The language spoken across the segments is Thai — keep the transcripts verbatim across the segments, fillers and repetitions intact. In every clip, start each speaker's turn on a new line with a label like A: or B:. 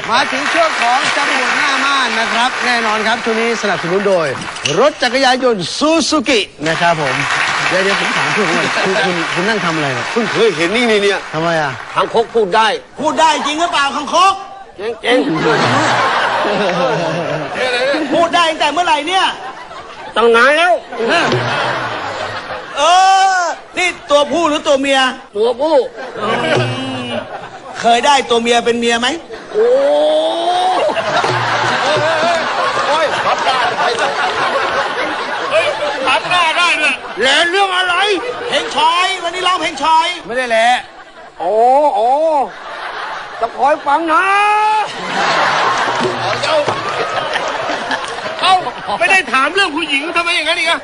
A: มาถึงช่วงของจำนวนหน้าม่านนะครับแน่นอนครับช่วงนี้สนับสนุนโดยรถจักรยานยนต์ซูซูกินะครับผมเดี๋ยวเดี๋ยวผมถามคุณก่อนคุณคุณคุณนั่งทำอะไรเนี่ย
B: เพิ่งเคยเห็นนี่นี่เนี่ย
A: ทำไมอ่ะ
B: ทางคกพูดได้
C: พูดได้จริงหรือเปล่าคังคก
B: เจ๊งเจ๊ง
C: พูดได้ตั้งแต่เมื่อไหร่เนี่ย
B: ตั้งนานแล้ว
C: เออ นี่ตัวผู้หรือตัวเมีย
B: ตัวผู้
C: เคยได้ตัวเมียเป็นเมียไหม
B: โอ้โอ้ยพับได้เฮ้ยพับได้ได้เลยแล้วเรื่องอะไร
C: เพลงชอยวันนี้ร้องเพลงชอย
A: ไม่ได้แหละ
B: โอ้โอ้จะคอยฟังนะเจ้าเอ้าไม่ได้ถามเรื่องผู้หญิงทำไมอย่างนั้นอีกอะ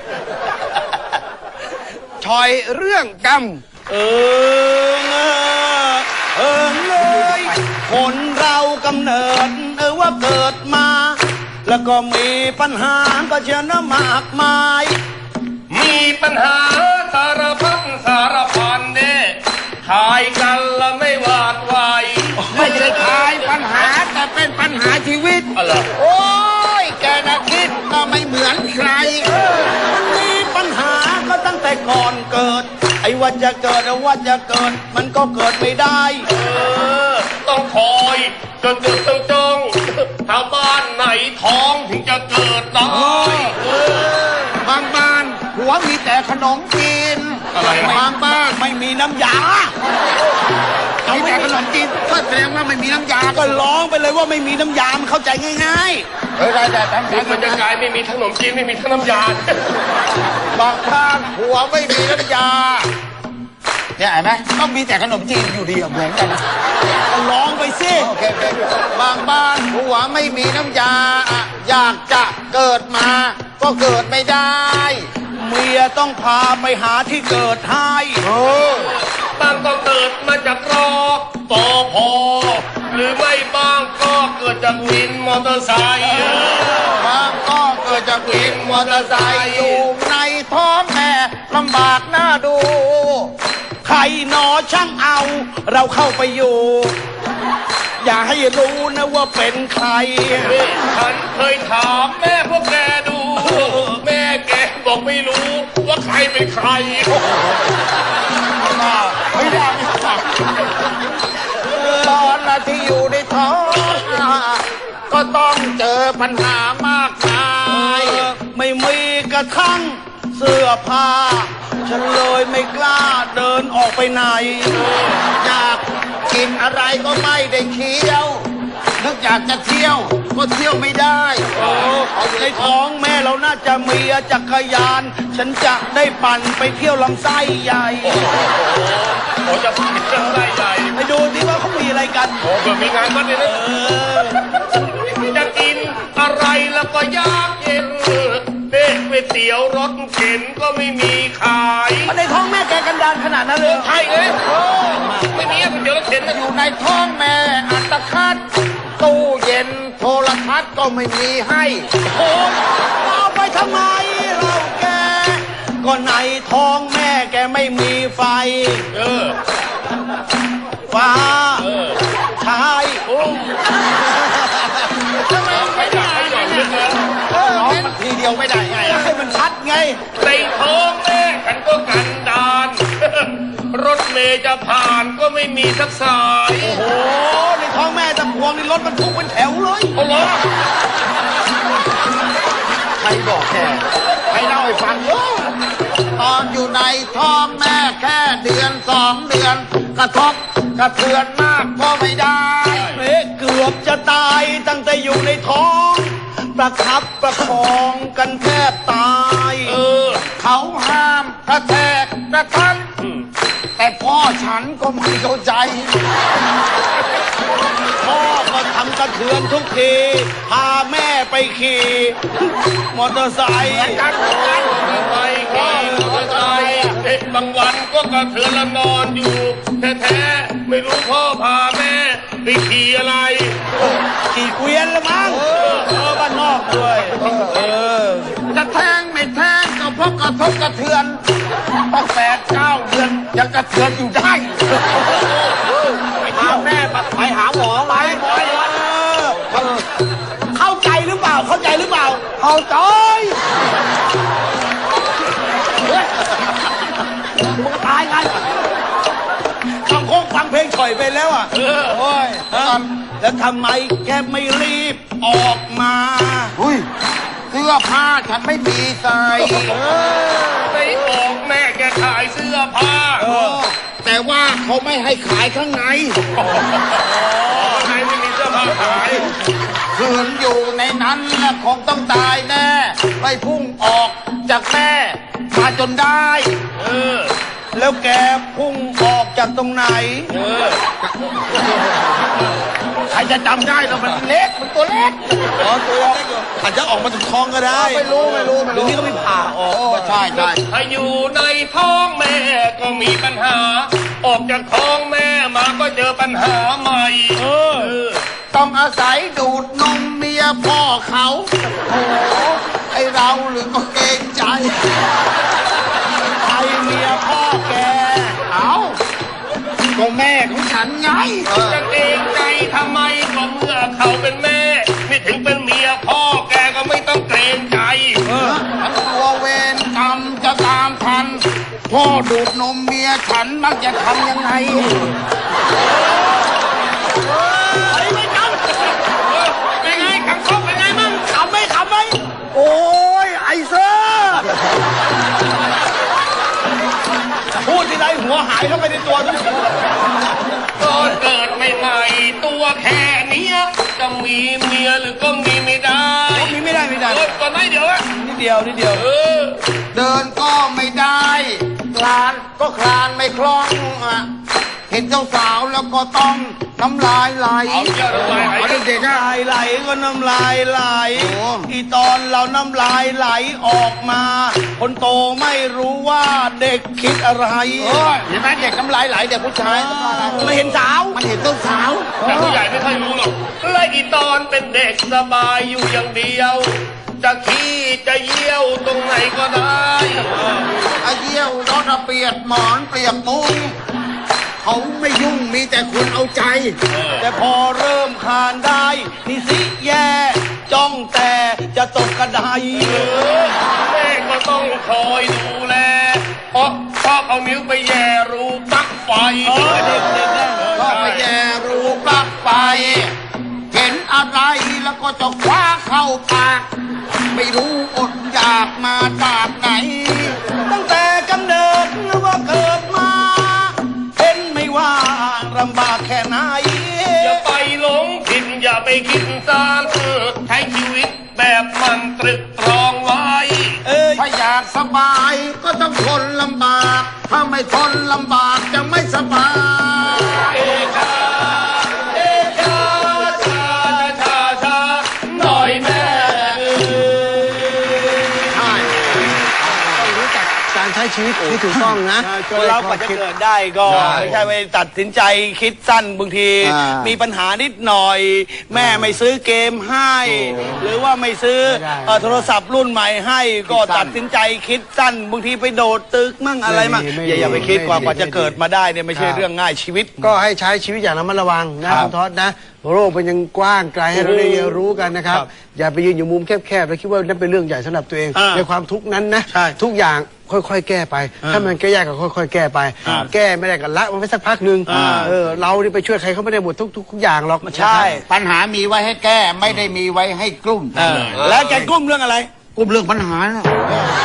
A: ชอยเรื่องกรรม
C: เออเออเออเลยคนเรากำเนิดเออว่าเกิดมา แล้วก็มีปัญหาก็เชื่อนะมากมาย
D: มีปัญหาสารพัดสารพันเน่ทายกันละไม่หวาดไหว
B: ไม่ใช่ทายปัญหาแต่เป็นปัญหาชีวิต
D: อะไร
B: โอ้ยแกนะคิดก็ไม่เหมือนใคร
C: มันมีปัญหาก็ตั้งแต่ก่อนเกิด ไอ้ว่าจะเกิดไอ้ว่าจะเกิด มันก็เกิดไม่ได้
D: เออต้องคอยจนเกิดต้องจ้องถ้าบ้านไหนท้องถึงจะเกิดได้เออบ
B: างบ้านหัวมีแต่ขนมกิน
D: อะไร
B: บางบ้าน
C: ไม่มีน้ำยา
B: มีแต่ขนมจีนก็แสดงว่าไม่มีน้ำยา
C: ก็ร้องไปเลยว่าไม่มีน้ำยา มันเข้าใจง่าย
B: เฮ้ยได้แต่ทำ
D: นี่มันจะกลายไม่มีทั้งขนมจีนไม่มีทั้งน้ำยา
B: บางบ้านหัวไม่มีน้ำยาเนี่ยเห็นไหมต้องมีแต่ขนมจีนอยู่ดีอะเหมือนกัน
C: ๆก็ร้องไปสิ
B: โอเคโอเคบางบ้านหัวไม่มีน้ำยาอะอยากจะเกิดมา ก็เกิดไม่ได้
C: เมียต้องพาไปหาที่เกิดให้
B: โอ้
D: บ้างก็เกิดมาจากรอกปอพอหรือไม่บ้างก็เกิดจากวินมอเตอร์ไซค์
B: บางก็เกิดจากวินมอเตอร์ไซค์อยู่ในท้องแม่ลำบากหน้าดู
C: ใครหนอช่างเอา เราเข้าไปอยู่ อย่าให้รู้นะว่าเป็นใคร
D: นี่ฉันเคยถามแม่พวกแกดู แม่แกบอกไม่รู้ว่าใครเป็นใคร
B: ไม่ได้ไม่ได้ตอนละที่อยู่ในท้องก็ต้องเจอปัญหามากมาย
C: ไม่มีกระทั่งเสื้อผ้า ฉันเลยไม่กล้าเดินออกไปไหน
B: อยากกินอะไรก็ไม่ได้เคี้ยวนึกอยากจะเที่ยวก็เที่ยวไม่ได้
C: ในท้องแม่เราน่าจะมีจักรยาน ฉันจะได้ปั่นไปเที่ยวลำไส้ใหญ่
D: โอ้จะผิดเรื่องได้ใหญ่
C: ไปดูที่ว่าเขามีอะไรกัน
D: โอ้เกิดมีงานวัดเลยนะจะกินอะไรแล้วก็ยากเย็นเด็กก๋วยเตี๋ยวรถเข็นก็ไม่มีขาย
C: ในท้องแม่แกกันดานขนาดนั้นเลย
D: ใช่เลยไม่มีก๋วยเตี๋ยวรถเข็นนะ
B: อยู่ในท้องแม่อัตคัดตู้เย็นโทรทัศน์ก็ไม่มีให้
C: โอ้ยเอาไปทำไมเราแก ก็ในท้องแม่แกไม่มีไฟ
D: เออ
C: ฟ้า
D: เออ
C: ชาย
D: โอ้ทำไมไม่ได้ก่อนเรื่องแล้ว
B: ร้องมันทีเดียวไม่ได้ไง
C: ให้มันชัดไง
D: ในท้องแม่กันก็กันดาน รถเมย์จะผ่านก็ไม่มีสักสาย
C: โอ้โห ในท้องแม่ตะพวงนี่รถมันทุกเป็นแถวเลย
D: โอ้โห
B: ใครบอกแกใครเล่าให้ฟังตอนอยู่ในท้องแม่แค่เดือนสองเดือน กระทบกระเทือนมากก็ไม่ได้
C: เอ๊ะเกือบจะตายตั้งแต่อยู่ในท้อง ประคับประคองกันแทบตาย
D: เออ
B: เขาห้ามกระแทกกระทันแต่พ่อฉันก็ไม่เข้าใจ
C: พ่อก็ทำกระเทือนทุกที พาแม่ไปขี่ มอเตอร์ไซค์
D: กันไปขี่มอเตอร์ไซค์เด็กบางวันก็กระเทือนละนอนอยู่ แท้ๆไม่รู้พ่อพาแม่ไปขี่อะไร
C: ขี่เกวียนละมั้งเออบ้านนอกด้วยเออ
B: จะแทงไม่แทงก็เพราะกระทบกระเทือนตั้งแปดเก้าเดือนยังกระเทือนอยู่ได้
C: พาแม่ไปหาหมอไหมหมอเลยมึงตายไงคำโค้งฟังเพลงฉ่อยไปแล้วอ่ะโอ้ยแล้วทำไมแกไม่รีบออกมา
B: อุ้ยเสื้อผ้าฉันไม่มีใส่
D: ไปออกแม่แกขายเสื้อผ้า
B: แต่ว่าเขาไม่ให้ขายข้างใน
D: ข้างในไม่มีเสื้อผ้าขาย
B: คืนอยู่ในนั้นนะคงต้องตายแน่ไม่พุ่งออกจากแม่มาจนได้
D: เออ
C: แล้วแกพุ่งออกจากตรงไหน
D: เออ
B: ใครจะจำได้แล้วมันเล็กมันตัวเล็ก
C: อ๋อตัวเล็กอยู่อาจจะออกมาจากท้องก็ได้
B: ไม่รู้ไม่รู้ไม่
C: เดี๋ยว
B: รู้
C: นี้ก็ไม่ผ่าออก
B: โอ้ใช่ใช่
D: ถ้าอยู่ในท้องแม่ก็มีปัญหา ออกจากท้องแม่มาก็เจอปัญหาใหม่ เออ
B: ต้องอาศัยดูดนมเมียพ่อเขาโอ้โหไอเราหรือก็เกรงใจ
C: ใครเมียพ่อแก
B: เอาก็แม่ของฉันไง
D: จะเกรงใจทำไมก็เมื่อเขาเป็นแม่ ไม่ถึงเป็นเมียพ่อแกก็ไม่ต้องเกรงใจ
B: ฉันกลัวเวรกรรมจะตามทัน พ่อดูดนมเมียฉันมักจะทำยังไง
D: เป็นไงขังคบเป็นไงมั่ง
C: ขำไหมขำไหมโอ้ยไอเซอร์พูดที่ไรหัวหายเข้าไปในตัวทุกที
D: ตอนเกิดใหม่ๆตัวแค่เนี้ยจะมีเมียหรือก็มีไม่ได้
C: มีไม่ได้ไม่ได้
D: เออก่อนไหนเดี๋ยวอะ
C: นิดเดียวนิดเดียว
D: เออ
B: เดินก็ไม่ได้คลานก็คลานไม่คล่องอะเห็นเจ้าสาวแล้วก็ต้องน้ำลายไหล
D: เอาเยอะเลย
B: เอาเด็กๆอะ
C: ลายไหลก็น้ำลายไหล
B: โอ้
C: อีตอนเราน้ำลายไหลออกมา คนโตไม่รู้ว่าเด็กคิดอะไร
B: โอ้ยเห็นไหมเด็กน้ำลายไหลเด็กผู้ชาย
C: ไม่เห็นสาว
B: มันเห็นเจ้าสาว
D: แต่ผู้ใหญ่ไม่ค่อยรู้หรอกและอีตอนเป็นเด็กสบายอยู่อย่างเดียว จะขี้จะเยี่ยวตรงไหนก็ได้
B: ไอ้เยี่ยวรถเปียกหมอนเปียกมุ้งเขาไม่ยุ่งมีแต่คุณเอาใจ
C: แต่พอเริ่มคลานได้นี่สิแย่จ้องแต่จะตกกระได
D: เออแม่ก็ต้องคอยดูแล เพราะชอบเอานิ้วไปแย่รูปลั๊กไฟ
C: เออเด็กเด็กนะ
B: ก็ไปแย่รูปลักไฟ เห็นอะไรแล้วก็จะคว้าเข้าปาก ไม่รู้อดอยากมาจากไหน
C: ตั้งแต่กำเนิดนึกว่าเกิดมาเห็นไม่ว่าลำบากแค่ไหน
D: อย่าไปหลงผิดอย่าไปคิดสร้างใช้ชีวิตแบบมันตรึกตรองไว้
C: เอ้ย
B: ถ้าอยากสบายก็ต้องทนลำบาก ถ้าไม่ทนลำบากจะไม่สบาย
D: เอชาเอชาชาชาชาหน่อยแม่
B: ใช่
A: ต้องรู้จักการใช้ชีวิตที่ถูกต้องนะ
C: คนเรากว่าจะเกิดได้ก็ไม่ใช่ไปตัดสินใจคิดสั้นบางที
A: อ่ามี
C: มีปัญหานิดหน่อย แม่ไม่ซื้อเกมให้ หรือว่าไม่ซื้อ
A: ไม่ได้
C: เอ่อโทรศัพท์รุ่นใหม่ให้ ก็ตัดสินใจคิดสั้นบางทีไปโดดตึกมั่งอะไรมั่ง
A: ไม่ดี
C: อย่าอย่าไป
A: ไม่ดี
C: คิดกว่า
A: ไม่ดี
C: กว่าจะเกิดมาได้เนี่ยไม่ใช่
A: ครับ
C: เรื่องง่ายชีวิต
A: ก็ให้ใช้ชีวิตอย่างระมัดระวังนะครับ คุณท็อดนะโลกมันยังกว้างไกลให้เราได้เรียนรู้กันนะครับ
C: ครับ
A: อย่าไปยืนอยู่มุมแคบๆแล้วคิดว่านั่นเป็นเรื่องใหญ่สำหรับตัวเอง
C: อ่า
A: ในความทุกข์นั้นนะ
C: ใช่
A: ทุกอย่างค่อยๆแก้ไป
C: อ่า
A: ถ้ามันแก้ยากก็ค่อย ๆ แก้ไป
C: ครับ
A: แก้ไม่ได้ก็ละมันไปสักพักหนึ่ง
C: อ่า
A: เออเรานี่ไปช่วยใครเขาไม่ได้หมดทุกๆทุกอย่างหรอก
C: ใช่
B: ปัญหามีไว้ให้แก้ไม่ได้มีไว้ให้กลุ้ม
C: เออแล้วแกกลุ้มเรื่องอะไร
B: กลุ้มเรื่องปัญหาน่ะ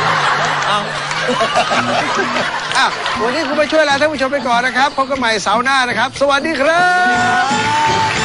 A: อ่ะวันนี้คุณไปช่วยลาท่านผู้ชมไปก่อนนะครับพบกันใหม่เสาร์หน้านะครับ สวัสดีครับ